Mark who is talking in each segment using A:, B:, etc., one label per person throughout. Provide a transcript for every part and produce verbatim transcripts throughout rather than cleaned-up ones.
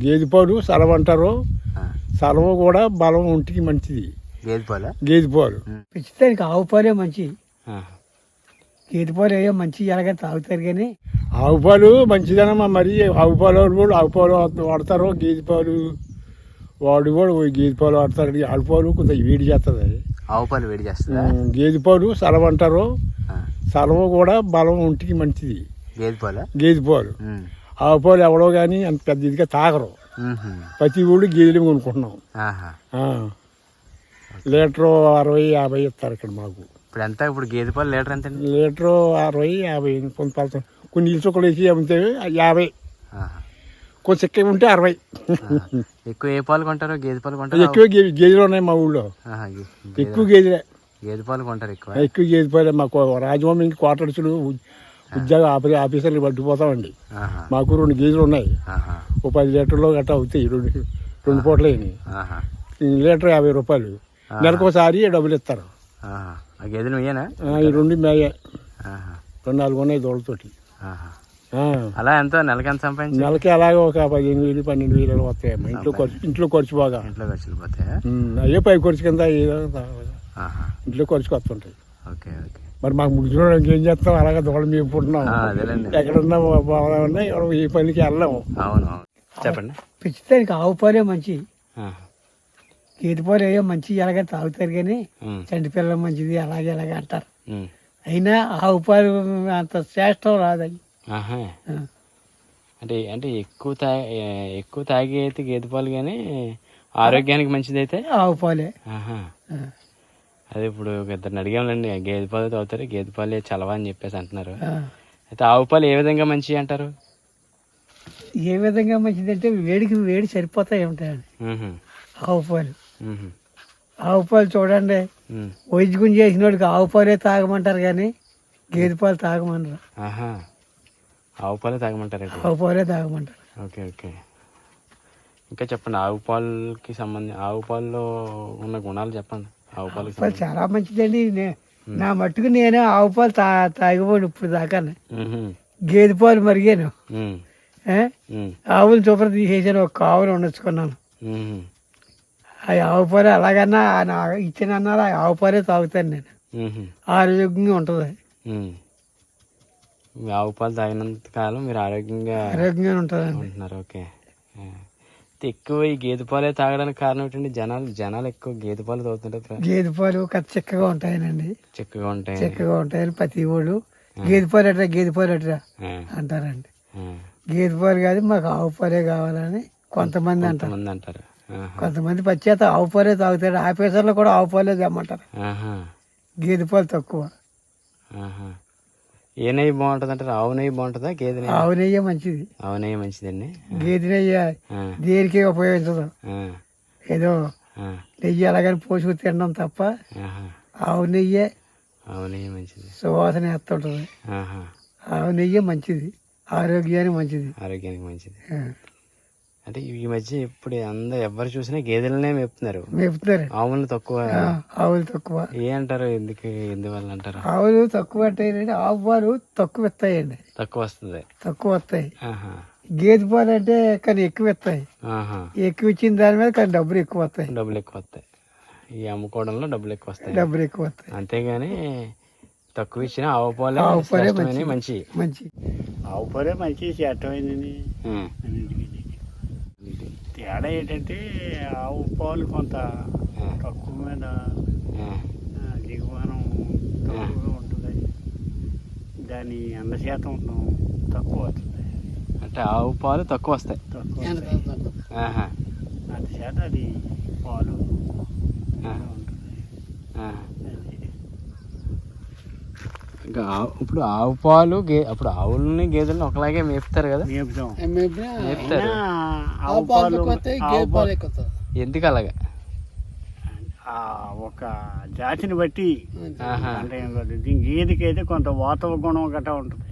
A: గేదె పాలు సలవ అంటారు. సలవ కూడా బలం ఒంటికి మంచిది.
B: గేదె పాలు
A: గేదె పాలు
C: పెంచుతానికి ఆవు పాలే మంచి. గేదె పాలు ఏదో మంచి ఎలాగ తాగుతారు కానీ
A: ఆవు పాలు మంచిదనమ్మా. మరి ఆవు పాలు కూడా ఆవు పాలు వాడతారు. గేదె పాలు వాడు కూడా గేదె పాలు వాడతారు. ఆవు పాలు కొంచెం వేడి చేస్తుంది.
B: ఆవు పాలు వేడి చేస్తుంది.
A: గేదె పాలు సలవ అంటారు. సలవ కూడా బలం ఒంటికి మంచిది.
B: గేదె పాలు
A: గేదె పాలు ఆవు పాలు ఎవడో కానీ అంత పెద్ద ఇదిగా తాగరు. ప్రతి ఊళ్ళు గేదెలు కొనుక్కుంటున్నాం. లీటరు అరవై యాభై ఇస్తారు ఇక్కడ మాకు.
B: ఇప్పుడు ఎంత? ఇప్పుడు గేదె పాలు లీటర్ ఎంత?
A: లీటరు అరవై యాభై. కొంత కొన్ని ఇల్లు చుక్కలు వేసి అమ్మితే యాభై, కొంచెం ఎక్కువ ఉంటే అరవై.
B: ఎక్కువ ఏ పాలు కొంటారు? గేదె పాలు కొంటారు.
A: ఎక్కువ గేదెలు ఉన్నాయి మా ఊళ్ళో. ఎక్కువ గేదెలే.
B: గేదె పాలు కొంటారు ఎక్కువ.
A: ఎక్కువ గేదె పాలే. మాకు రాజభవన్ ఇంక క్వార్టర్స్లు ఉద్యోగ ఆఫీ ఆఫీసర్లు పట్టుకుపోతామండి. మాకు రెండు గేదెలు ఉన్నాయి. ఓ పది లీటర్లో గట్రా అవుతాయి. రెండు రెండు పూటలు అయినాయి. లీటర్ యాభై రూపాయలు. నెలకోసారి డబ్బులు ఇస్తారు.
B: గేదెలు మీయేనా?
A: ఈ రెండు మేయ. రెండు నాలుగు ఉన్నాయి దోళ్ళతోటి.
B: అలా ఎంత నెలకి ఎంత సంపాదించి?
A: నెలకి అలాగే ఒక పదిహేను వేలు పన్నెండు వేలు వస్తాయమ్మా. ఇంట్లో ఖర్చు ఇంట్లో ఖర్చు బాగా.
B: ఇంట్లో ఖర్చులు పోతాయి.
A: అయ్యే పై ఖర్చు కింద ఇంట్లో ఖర్చుకు వస్తుంటాయి.
B: Okay okay.
A: మరి మాకు ముగ్గురు ఇంకేం చేస్తాం? అలాగే దోళ మేము పుట్టినాం. ఎక్కడన్నా బాగున్నా ఈ పనికి వెళ్ళాము.
B: అవును చెప్పండి.
C: పెంచుతానికి ఆవు పాలే మంచి. గేదె పాలు ఏదో మంచి ఎలాగ తాగుతారు కానీ చంటి పిల్లలు మంచిది అలాగే అలాగే అంటారు. అయినా ఆవు పాలు అంత శ్రేష్టం రాదని.
B: అంటే అంటే ఎక్కువ తాగి ఎక్కువ తాగి అయితే గేదె పాలు కానీ ఆరోగ్యానికి మంచిది అయితే
C: ఆవు పాలే.
B: అదే ఇప్పుడు ఇద్దరిని అడిగాంలేండి. గేదె పాలు తాగుతారు, గేదె పాలు చలవా అని చెప్పేసి అంటున్నారు. అయితే ఆవు పాలు ఏ విధంగా మంచివి అంటారు?
C: ఏ విధంగా మంచిది అంటే వేడికి వేడి సరిపోతాయి ఉంటాయండి ఆవు పాలు. ఆవు పాలు చూడండి, వైద్యం చేసిన వాడికి ఆవు పాలే తాగమంటారు కానీ గేదె పాలు తాగమంటారు.
B: ఆవు పాలే తాగమంటారు.
C: ఆవు పాలే తాగమంటారు.
B: Okay okay. ఇంకా చెప్పండి. ఆవు పాలకి సంబంధించి ఆవు పాలలో ఉన్న గుణాలు చెప్పండి. ఆవు పాలు
C: చాలా మంచిదండి. నా మట్టుకు నేనే ఆవు పాలు తా తాగిపోను ఇప్పుడు దాకా. గేదె పాలు మరిగాను. ఆవులు చూపర తీసేసాను. ఒక ఆవులు ఉండొచ్చుకున్నాను. ఆ ఆవు పాలు అలాగన్నా ఇచ్చిన అన్నారు. ఆ ఆవు పాలే తాగుతాను నేను. ఆరోగ్యంగా ఉంటుంది.
B: ఆవు పాలు తాగినంత కాలం మీరు ఆరోగ్యంగా
C: ఆరోగ్యంగా ఉంటుందండి
B: ఉంటున్నారు. ఓకే. ఎక్కువ ఈ గేదె పాలే తాగడానికి కారణం ఏంటంటే జనాలు జనాలు ఎక్కువ గేదె పాలు తాగుతుంటారు.
C: గేదె పాలు కథ చిక్కగా ఉంటాయనండి.
B: చిక్కగా ఉంటాయి
C: చిక్కగా ఉంటాయని ప్రతి వాళ్ళు గేదె పాలు అట్రా గేదె పాలు అట్రా అంటారండి. గేదె పాలు కాదు మాకు ఆవు పాలే కావాలని కొంతమంది అంటారు.
B: అంటారు
C: కొంతమంది పచ్చేత ఆవు పాలే తాగుతారు. ఆఫీసర్లు కూడా ఆవు పాలే తెమ్మంటారు. గేదె పాలు తక్కువ.
B: ఏ నెయ్యి బాగుంటుంది అంటారు? ఆవు నెయ్యి బాగుంటుందా? గేదె నెయ్యి?
C: ఆవు నెయ్యి మంచిది.
B: ఆవు నెయ్యి మంచిదండి.
C: గేదె నెయ్యి దేనికి ఉపయోగించదు. ఏదో నెయ్యి అలాగని పోసుకు తినడం తప్ప ఆవు నెయ్యే
B: ఆవు నెయ్యి మంచిది.
C: సువాసన వేస్తుంటుంది. ఆవు నెయ్యి మంచిది. ఆరోగ్యానికి మంచిది.
B: ఆరోగ్యానికి మంచిది. అంటే ఈ మధ్య ఇప్పుడు అందరు ఎవరు చూసినా గేదెలనే మేపుతున్నారు.
C: మేపుతున్నారు.
B: ఆవులు తక్కువ.
C: ఆవులు తక్కువ.
B: ఏ అంటారు? ఎందుకు ఎందువల్ల అంటారు?
C: ఆవులు తక్కువ అంటే ఆవు పాలు తక్కువ ఇస్తాయండి.
B: తక్కువ వస్తుంది.
C: తక్కువ వస్తాయి. గేదె పాలు అంటే కానీ ఎక్కువ ఇస్తాయి. ఎక్కువ ఇచ్చిన దాని మీద కానీ డబ్బులు ఎక్కువ వస్తాయి.
B: డబ్బులు ఎక్కువ వస్తాయి. ఈ అమ్ముకోవడంలో డబ్బులు ఎక్కువ వస్తాయి.
C: డబ్బులు ఎక్కువ వస్తాయి.
B: అంతేగాని తక్కువ ఇచ్చిన ఆవు పాలే
C: ఆవు పాలే
B: మంచి
C: మంచి
A: ఆవు పాలే మంచి చేటమైంది. తేడా ఏంటంటే ఆవు పాలు కొంత తక్కువ మీద దిగుమానం తక్కువగా ఉంటుంది. దాని ఎండ శాతం తక్కువ వస్తుంది.
B: అంటే ఆవు పాలు తక్కువ వస్తాయి.
A: తక్కువ అందుచేత అది పాలు ఉంటుంది.
B: ఇంకా ఇప్పుడు ఆవు పాలు గే అప్పుడు ఆవులని గేదెలను ఒకలాగే మేపుతారు కదా?
A: మేపుతాం.
B: మేపుతారు. ఎందుకు అలాగా?
A: ఒక జాతిని బట్టి అంటే దీనికి గేదెకి అయితే కొంత వాతవ గుణం గట్రా ఉంటుంది.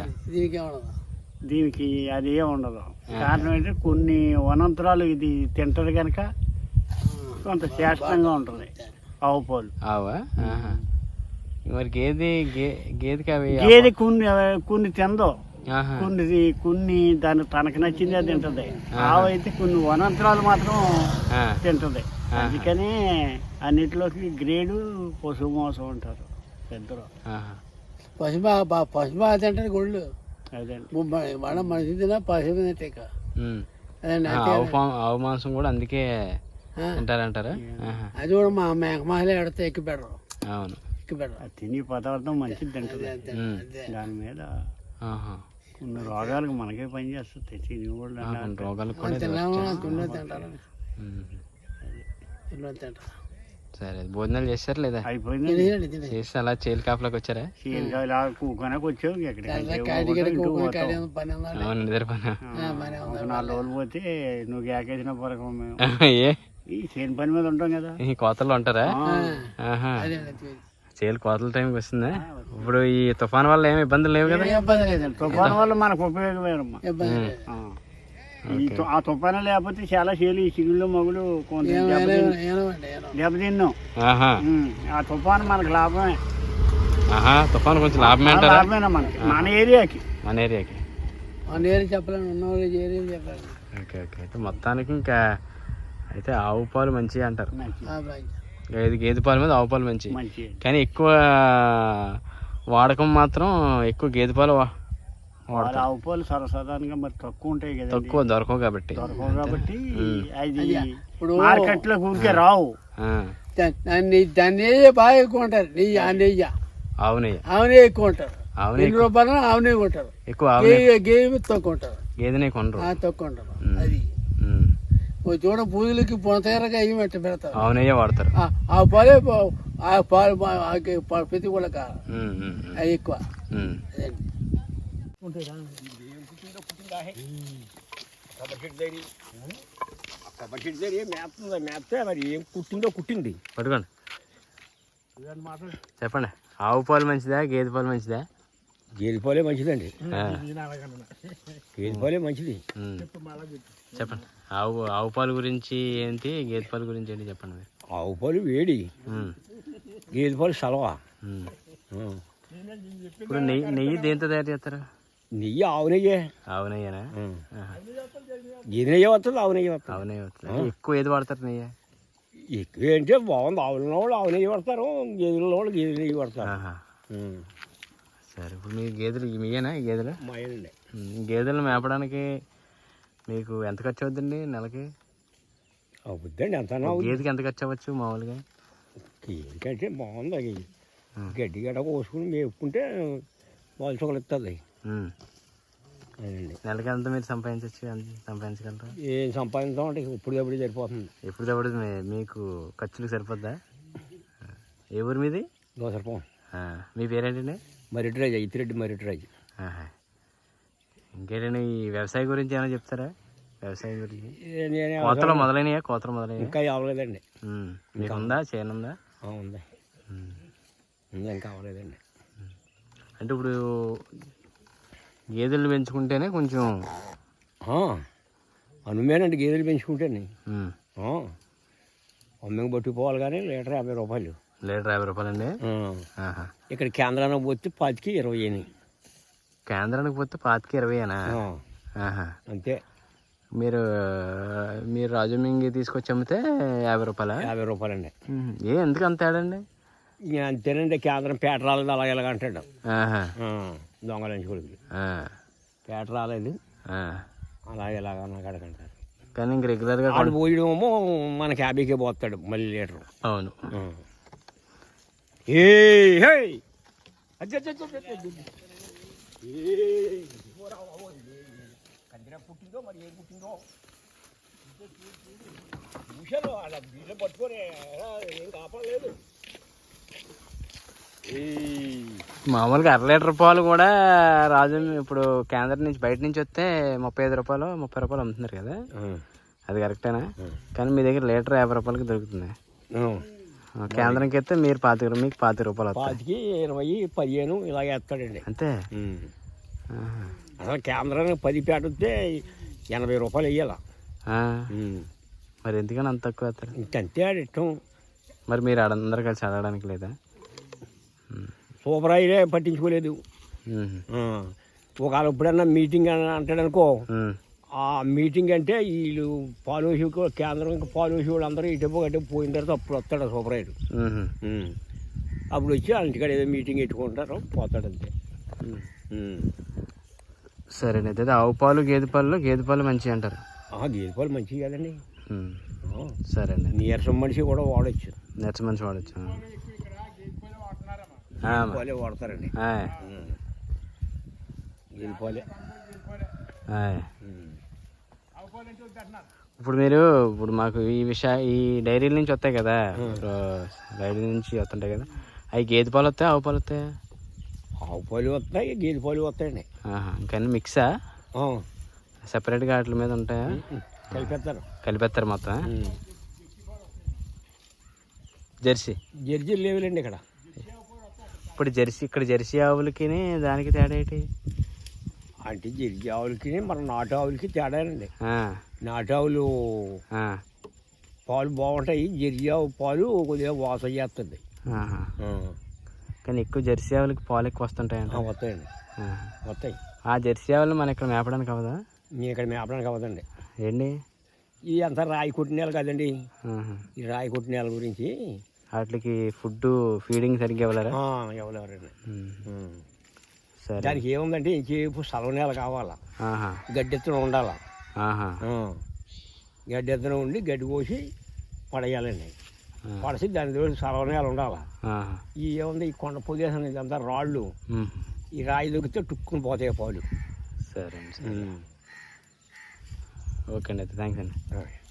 A: దీనికి అది ఏమి ఉండదు. కారణం ఏంటంటే కొన్ని వనంతరాలు ఇది తింటది కనుక కొంత శ్రేష్టంగా ఉంటుంది ఆవు పాలు.
B: ఆవా మరి గేదె గేదెకి అవి
A: గేదె కొన్ని కొన్ని తిందో
B: ఆహా.
C: కొన్ని కొన్ని దాని తనకు నచ్చింది అది తింటది. ఆవు అయితే కొన్ని వనంతరాలు మాత్రం
B: ఆ,
C: తింటది. అందుకని అన్నిటిలోకి గ్రేడు పశువు మోసం ఉంటారు పెద్దలు.
B: ఆహా.
C: పశుమా పశుమా తింటారు గుళ్ళు. అదండి మన మనిషి తిన పశువు తింటే
B: ఉమ్. ఆ, ఆవు పా- ఆవు మాంసం కూడా అందుకే తింటారంటారా? ఆహా.
C: అది కూడా మా మేకమాలే ఎడితే ఎక్కి పెడరు.
B: అవును.
C: ఎక్కి పెడరు. తిని పదార్థం మంచిది తింటది.
B: ఉమ్.
C: దాని మీద
B: ఆహా.
C: కొన్ని రోగాలకు మనకే పని చేస్తుంది. తిని కూడా
B: ఆ, కొన్ని రోగాలకు కూడా ఇది
C: తింటారు.
B: ఉమ్.
C: తింటారు.
B: సరే, భోజనాలు చేశారు లేదా?
C: అయిపోయింది.
B: చేసి అలా చేలు కాపలాకి వచ్చారా?
C: కూకొనకు వచ్చావు.
B: అవును, నిద్ర పని.
C: నాలుగు రోజులు పోతే నువ్వు ఏకేసిన పరకం మేము
B: ఏ
C: ఈ చేను పని మీద ఉంటాం కదా.
B: ఈ కోతలు ఉంటారా? ఆహా. చేలు కోతల టైంకి వస్తుందా? ఇప్పుడు ఈ తుఫాన్ వల్ల ఏమి ఇబ్బందులు లేవు కదా?
C: ఇబ్బంది లేదండి. తుఫాను వల్ల మనకు ఉపయోగమేనమ్మా. ఈ తు- ఆ తుఫాను లేకపోతే చాలా చేలు ఈ సిగుళ్ళు మగులు కొంత దెబ్బతిన్నాం.
B: ఆహా.
C: ఉమ్, ఆ తుఫాను మనకు లాభమే.
B: ఆహా. తుఫాన్ కొంచెం లాభమే అంటారా?
C: లాభమేనా మనకి, మన ఏరియాకి.
B: మన ఏరియాకి.
C: మన ఏరియా చెప్పలేను, ఉన్న ఏరియా చెప్పాలి.
B: Okay okay. అయితే మొత్తానికి ఇంకా అయితే ఆవు పాలు మంచివి అంటారు. గేదె గేదె పాలు మీద ఆవు పాలు మంచి.
C: మంచి
B: కానీ ఎక్కువ వాడకం మాత్రం ఎక్కువ గేదె పాలు వా- వాడతారు.
C: ఆవు పాలు సరసాధారణంగా మరి తక్కువ ఉంటాయి కదా.
B: తక్కువ దొరకవు కాబట్టి.
C: దొరకవు కాబట్టి అది మార్కెట్ లో ఊరికే రావు.
B: ఆ.
C: దాన్ని దాన్ని నెయ్యి బాగా ఎక్కువ ఉంటారు. నెయ్యి ఆ నెయ్యి
B: ఆవు నెయ్యి.
C: ఆవు నెయ్యి ఎక్కువ ఉంటారు.
B: ఆవు
C: ఎన్ని రూపాయలు ఆవు నెయ్యి కొంటారు.
B: ఎక్కువ ఆవు నెయ్యి.
C: గేవి తక్కువ ఉంటారు.
B: గేదె నెయ్యి కొనరు.
C: ఆ, తక్కువ ఉంటారు.
B: ఉమ్.
C: అది
B: ఉమ్.
C: ఓ చూడ పూజలకి పొనతేరగా అయ్యి మెట్ట పెడతారు.
B: ఆవు నెయ్యే వాడతారు.
C: ఆ- ఆ పాలే పా- ఆ పాలు పా- ఆ గే- పా- ప్రతి కూడా కాదు.
B: ఉమ్, ఉమ్, ఉమ్.
C: అది ఎక్కువ.
B: ఉమ్.
C: అదండి.
A: మేపితే మరి ఏం కుట్టిందో కుట్టింది.
B: పట్టుకోండి, చెప్పండి. ఆవు పాలు మంచిదా గేదె పాలు మంచిదా?
A: గేదె పాలే మంచిదండి.
B: ఆ.
A: గేదె పాలే మంచిది.
B: ఉమ్. చెప్పండి. ఆవు ఆవు పాలు గురించి ఏంటి, గేదె పాలు గురించి ఏంటి చెప్పండి మీరు.
A: ఆవు పాలు వేడి,
B: ఉమ్.
A: గేదె పాలు సలవా.
B: ఉమ్.
A: ఉం.
B: ఇప్పుడు నెయ్యి నెయ్యి దేంతో తయారు చేస్తారు?
A: నెయ్యి ఆవు నెయ్యే.
B: ఆవు నెయ్యేనా?
A: ఉం.
B: ఆహా.
A: గేదె నెయ్యి వస్తుంది, ఆవు నెయ్యి వస్తుంది.
B: ఆవు నెయ్యి వస్తుంది. ఎక్కువ ఏది వాడతారు నెయ్యి?
A: ఎక్కువ ఏంటంటే బాగుంది. ఆవుల వాళ్ళు ఆవు నెయ్యి పడతారు, గేదెల వాళ్ళు గేదె నెయ్యి పడతారు.
B: ఆహా.
A: ఉం.
B: సరే, ఇప్పుడు మీ గేదెలు మీయేనా ఈ గేదెలు?
A: మాయండి.
B: ఉమ్. గేదెలను మేపడానికి మీకు ఎంత ఖర్చు అవుతుందండి నెలకి?
A: అవుద్దండి ఎంత
B: గేదెకి ఎంత ఖర్చు అవ్వచ్చు మామూలుగా?
A: ఎందుకంటే బాగుంది. అది
B: ఉం.
A: గడ్డి గడ్డ కోసుకుని మేపుకుంటే వాళ్ళు చుక్కలు ఇస్తుంది.
B: ఉమ్.
A: అదండి.
B: నెలకి ఎంత మీరు సంపాదించవచ్చు? ఎంత సంపాదించగలరు?
A: ఏం సంపాదించామంటే ఇప్పుడు ఎప్పుడు సరిపోతుంది.
B: ఎప్పుడు తప్పుడు మీకు ఖర్చులకు సరిపోద్దా? ఏ ఊరు మీది?
A: దోసరపం.
B: ఆ. మీ పేరేంటండి?
A: మరిటిరాజు, ఇతిరెడ్డి మరిటిరాజు.
B: ఆహా. ఇంకేంటండి, ఈ వ్యవసాయం గురించి ఏమైనా చెప్తారా? వ్యవసాయం గురించి
A: నేనే
B: కోతలు మొదలైనయా? కోతలు మొదలైనయా?
A: ఇంకా అవ్వలేదండి.
B: ఉమ్. మీకు ఉందా చేనుందా?
A: ఆ, ఉంది.
B: ఉమ్.
A: ఉంది, ఇంకా అవ్వలేదండి.
B: అంటే ఇప్పుడు గేదెలు పెంచుకుంటేనే కొంచెం
A: అనుమేనండి గేదెలు పెంచుకుంటేనే.
B: ఉమ్.
A: అమ్మకి పట్టుకుపోవాలి కానీ లీటర్ యాభై రూపాయలు.
B: లీటర్ యాభై రూపాయలండి?
A: ఆ.
B: ఆహా.
A: ఇక్కడ కేంద్రానికి పోతే పాతికి ఇరవై అని.
B: కేంద్రానికి పోతే పాతికి ఇరవైనా?
A: ఆ,
B: ఆహా.
A: అంతే.
B: మీరు మీరు రాజమంగి తీసుకొచ్చి అమ్మితే యాభై రూపాయలా?
A: యాభై రూపాయలండి.
B: ఉమ్. ఏ ఎందుకు అంత తేడండి?
A: ఇక అంతేనండి. కేంద్రం పేట రాలేదు అలాగే ఇలాగ అంటాడు.
B: ఆహా.
A: దొంగలంచి కొడుకు
B: ఆ.
A: పేట రాలేదు
B: ఆ.
A: అలాగే ఇలాగ నాకు అడగంటారు.
B: కానీ ఇంక రెగ్యులర్గా
A: ఆడు పోయడమేమో మనకి యాభైకే పోతాడు మళ్ళీ లీటరు.
B: అవును.
A: ఏ హే అచ్చ అచ్చ అచ్చ అచ్చ. ఏ కందిరా పుట్టిందో మరి ఏం పుట్టిందో చూశాను. అలా వీళ్ళు పట్టుకొని ఏం కాపాడలేదు.
B: మామూలుగా అర లీటర్ పాలు కూడా రాజు ఇప్పుడు కేంద్రం నుంచి బయట నుంచి వస్తే ముప్పై ఐదు రూపాయలు ముప్పై రూపాయలు అమ్ముతున్నారు కదా, అది కరెక్టేనా? కానీ మీ దగ్గర లీటర్ యాభై రూపాయలకి దొరుకుతుంది. కేంద్రంకి అయితే మీరు పాతిక మీకు పాతిక రూపాయలు
A: పాతికి ఇరవై పదిహేను ఇలాగ వేస్తాడండి
B: అంతే.
A: అసలు కేంద్రానికి పది పేట వస్తే ఎనభై రూపాయలు వెయ్యాల.
B: మరి ఎందుకని అంత తక్కువ వేస్తారు?
A: ఇంకంతే ఆడు ఇష్టం.
B: మరి మీరు అందరు కలిసి ఆడడానికి లేదా?
A: సూపర్ ఆయిలే పట్టించుకోలేదు. ఒకవేళ ఎప్పుడన్నా మీటింగ్ అని అంటాడు అనుకో,
B: ఉమ్,
A: ఆ మీటింగ్ అంటే వీళ్ళు పాలూసి కేంద్రం పాలూసి వాళ్ళు అందరూ ఇటు గట్టే పోయిన తర్వాత అప్పుడు వస్తాడు సూపరైడు.
B: ఉమ్,
A: అప్పుడు వచ్చి వాళ్ళ ఇంటికాడ ఏదో మీటింగ్ పెట్టుకుంటారు, పోతాడు అంతే.
B: ఉమ్.
A: ఉమ్.
B: సరేనండి. అయితే ఆవు పాలు గేదె పాలు గేదె పాలు మంచివి అంటారు.
A: ఆ, గేదె పాలు మంచివి కదండి.
B: ఉమ్,
A: ఆ,
B: సరే అండి.
A: నీరసం మనిషి కూడా వాడచ్చు,
B: నెచ్చ మంచి వాడచ్చు.
A: పాలే వాడతారండి. ఉమ్. గేదె పాలే. ఉమ్.
B: ఇప్పుడు మీరు ఇప్పుడు మాకు ఈ విషయ ఈ డైరీల నుంచి వస్తాయి కదా, డైరీ నుంచి వస్తుంటాయి కదా, అవి గేదె పాలు వస్తాయి ఆవు పాలు వస్తాయా?
A: ఆవు పాలు వస్తాయి, గేదె పాలు వస్తాయండి.
B: ఇంకా మిక్సా సెపరేట్గా వాటి మీద ఉంటాయా?
A: కలిపేస్తారు.
B: కలిపేస్తారు మొత్తం. జెర్సీ
A: జెర్సీ లేవులేండి ఇక్కడ.
B: ఇప్పుడు జెర్సీ ఇక్కడ జెర్సీ ఆవులకి దానికి తేడా ఏంటి
A: అంటే? జెర్సీ ఆవులకి మన నాటు ఆవులకి తేడానండి.
B: ఆ,
A: నాటు ఆవులు
B: ఆ,
A: పాలు బాగుంటాయి, జెర్సీ ఆవు పాలు కొద్దిగా వాసన చేస్తుంది.
B: ఆహా.
A: ఆ.
B: కానీ ఎక్కువ జెర్సీ ఆవులకి పాలు ఎక్కువ వస్తుంటాయంట.
A: ఆ, వస్తాయండి,
B: ఆ.
A: వస్తాయి.
B: ఆ జెర్సీ ఆవులు మన ఇక్కడ మేపడానికి అవదా?
A: మీ ఇక్కడ మేపడానికి అవ్వదండి.
B: ఏంటి
A: ఈ అంతా రాయి కొట్టిన నేల కదండి.
B: ఆహా.
A: ఈ రాయి కొట్టిన నేల గురించి
B: వాటికి ఫుడ్ ఫీడింగ్ సరిగ్గా ఇవ్వలేరా?
A: ఎవరెవరండి.
B: ఉమ్. సరే.
A: దానికి ఏముందంటే ఇంకేపు సలవ నేల కావాలా,
B: ఆహా,
A: గడ్డి ఎత్తున ఉండాలా.
B: ఆహా,
A: ఆ. గడ్డి ఎత్తున ఉండి గడ్డి కోసి పడేయాలండి.
B: ఆ.
A: పడసి దాని దగ్గర సలవ నేల ఉండాలా.
B: ఆహా.
A: ఈ ఏముంది ఈ కొండ ప్రదేశం ఇదంతా రాళ్ళు,
B: ఉమ్.
A: ఈ రాయి దొరికితే టుక్కుని పోతాయి పాలు.
B: సరే అండి. సరే. ఓకే అండి. అయితే థ్యాంక్స్ అండి.
A: ఆ.